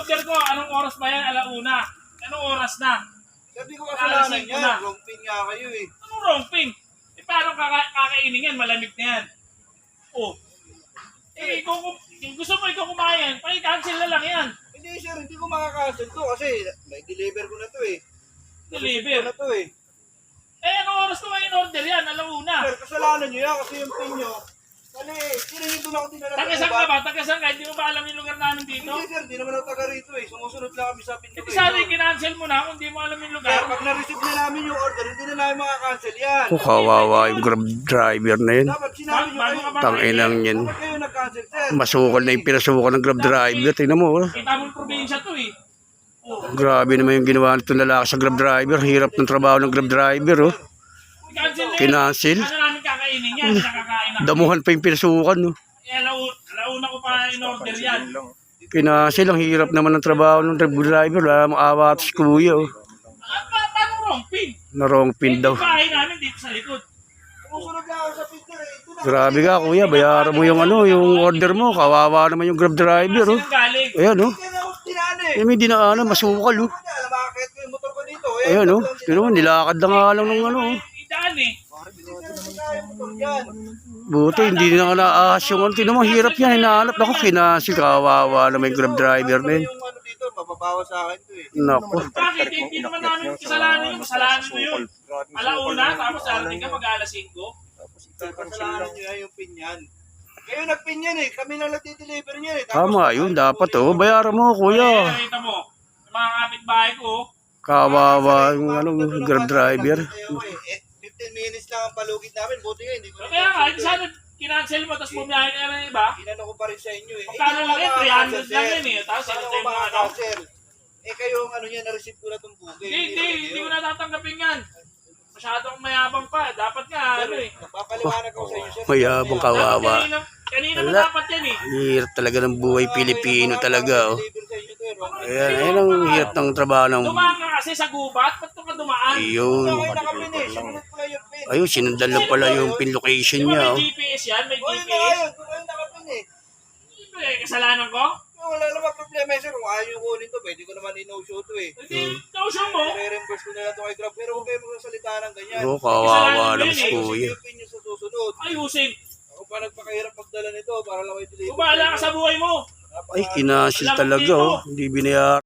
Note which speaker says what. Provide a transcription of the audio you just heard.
Speaker 1: order ko, anong oras ba yan? Alauna. Anong oras na?
Speaker 2: Sabi ko kasalanan yan. Wrong pin nga kayo eh.
Speaker 1: Anong wrong pin? Eh, paano kakainin yan? Malamig na yan. Oh. Eh, kung gusto mo ikaw kumain, paki-cancel na lang yan.
Speaker 2: Hindi sir, hindi ko makakancel to kasi may deliver ko na to eh.
Speaker 1: Deliver?
Speaker 2: Ko na to eh.
Speaker 1: Eh, anong oras ko ba in-order yan? Alauna.
Speaker 2: Sir, kasalanan nyo yan kasi yung pin nyo. Kali, sino doon ako dinala?
Speaker 1: Tagasan ka ba? Tagasan ka? Hindi mo ba alam yung lugar namin dito?
Speaker 2: Hindi sir, di naman ako taga rito eh. Sumusunod lang kami sa pin nyo.
Speaker 1: Hindi sana i-cancel mo na kung hindi mo alam yung
Speaker 2: Sir,
Speaker 1: lugar.
Speaker 2: pag na-receive na namin yung order, hindi na namin makakancel yan.
Speaker 3: Oh, kawawa yung Grab driver na yun.
Speaker 2: Dapat sinabi nyo kayo.
Speaker 3: Tanginang yan.
Speaker 2: Bakit kayo nag-cancel sir?
Speaker 3: Masukol na yung pinasukol ng Grab driver. Tingnan mo. Oh.
Speaker 1: Kita mong probinsya to eh. Oh.
Speaker 3: Grabe naman yung ginawa nitong lalaki sa Grab driver. Hirap ng trabaho ng Grab driver. Oh.
Speaker 1: I-cancel na yan.
Speaker 3: Kinancel.
Speaker 1: Ano namin kakainin yan? Nakakain na.
Speaker 3: Damuhan pa yung pinasukan. Oh.
Speaker 1: Eh, alauna ko pa in-order yan.
Speaker 3: Kinancel. Ang hirap naman ng trabaho ng Grab driver. Wala mong awa si kuya. Oh.
Speaker 1: Paano wrong pin?
Speaker 3: Na wrong pin daw.
Speaker 1: Yung bahay namin dito sa likod.
Speaker 2: Sumusunod lang ako sa pin sir eh. Ito na.
Speaker 3: Grabe ka kuya. Bayaran mo yung yung order mo. Kawawa naman yung Grab driver. Oh.
Speaker 1: Sinong galing?
Speaker 3: Ayan oh.
Speaker 2: Kaya na ako tinaan eh.
Speaker 3: Eh, may dinaanan. Masukal oh.
Speaker 2: Bakit ko yung motor ko dito eh.
Speaker 3: Ayan oh. Tingnan mo. Nilakad na nga lang ng ano. Oh.
Speaker 1: Idaan eh.
Speaker 3: Buti, hindi na nga naahas yung ano. Tingnan mo, hirap yan. Hinahanap. Naku, kinancel. Kawawa na may Grab driver na yun.
Speaker 2: Yung ano dito, mababawa sa akin to eh.
Speaker 3: Naku.
Speaker 1: Bakit? Hindi naman namin kasalanan yun. Kasalanan mo yun. Alauna, tapos darating ka pag alas 5.
Speaker 2: Kasalanan nyo yan yung pin yan. Kayo nagpin yan eh. Kami lang nagdi-deliver niyan eh.
Speaker 3: Tama yun, dapat oh. Bayaran mo, kuya.
Speaker 1: Nakita mo, yung mga kapitbahay ko,
Speaker 3: Kawawa yung ano, Grab driver.
Speaker 2: 15 minutes lang ang palugit namin. Buti nga, hindi ko
Speaker 1: so kaya nga, hindi sana kinancel mo, tapos bumiyahe ka na ng iba.
Speaker 2: Inano ko pa rin sa inyo eh.
Speaker 1: Magkano lang yan? 300 lang yan eh. Tapos
Speaker 2: Paano
Speaker 1: sinatay
Speaker 2: ko
Speaker 1: mo ano.
Speaker 2: makakancel? Eh kayo ang ano niya, na-receive ko na itong booking.
Speaker 1: Hindi ko natatanggapin yan. Masyadong mayabang pa. Dapat nga, ano eh.
Speaker 2: Papaliwanag ko sa inyo sir.
Speaker 3: Mayabang kawawa.
Speaker 1: Kanina mo
Speaker 3: Wala.
Speaker 1: dapat yan eh.
Speaker 3: Hirap talaga ng buhay Pilipino talaga oh.
Speaker 2: Deliver sa inyo to eh.
Speaker 3: Ayan, ayan ang hirap ng trabaho ng...
Speaker 1: Dumaan ka kasi sa gubat. Ba't ka dumaan?
Speaker 3: Ayun.
Speaker 2: Kayo nakapin eh. Sinunod ko lang yung pin.
Speaker 3: Ayun, sinundan lang pala yung pin location
Speaker 1: Di ba
Speaker 3: niya
Speaker 1: may
Speaker 3: oh.
Speaker 1: GPS yan? May
Speaker 2: O yun na
Speaker 1: GPS?
Speaker 2: kayo. Doon kayo nakapin eh.
Speaker 1: Eh, kasalanan ko?
Speaker 2: Wala naman problema sir. Kung ayaw yung kunin to, pwede ko naman i-no-show to eh.
Speaker 1: Hindi, kausap mo.
Speaker 2: I-reimburse ko na lang ito kay Grab. Pero huwag kayo magsasalita ng ganyan.
Speaker 3: Oh, kawawa naman si kuya.
Speaker 2: Yung pin nyo sa susunod.
Speaker 1: Ayusin.
Speaker 2: Ako pa nagpakahirap magdala nito para lang kayo deliver.
Speaker 1: Kung bahala ka sa buhay mo.
Speaker 3: Ay, kinancel talaga oh. Hindi binayaran.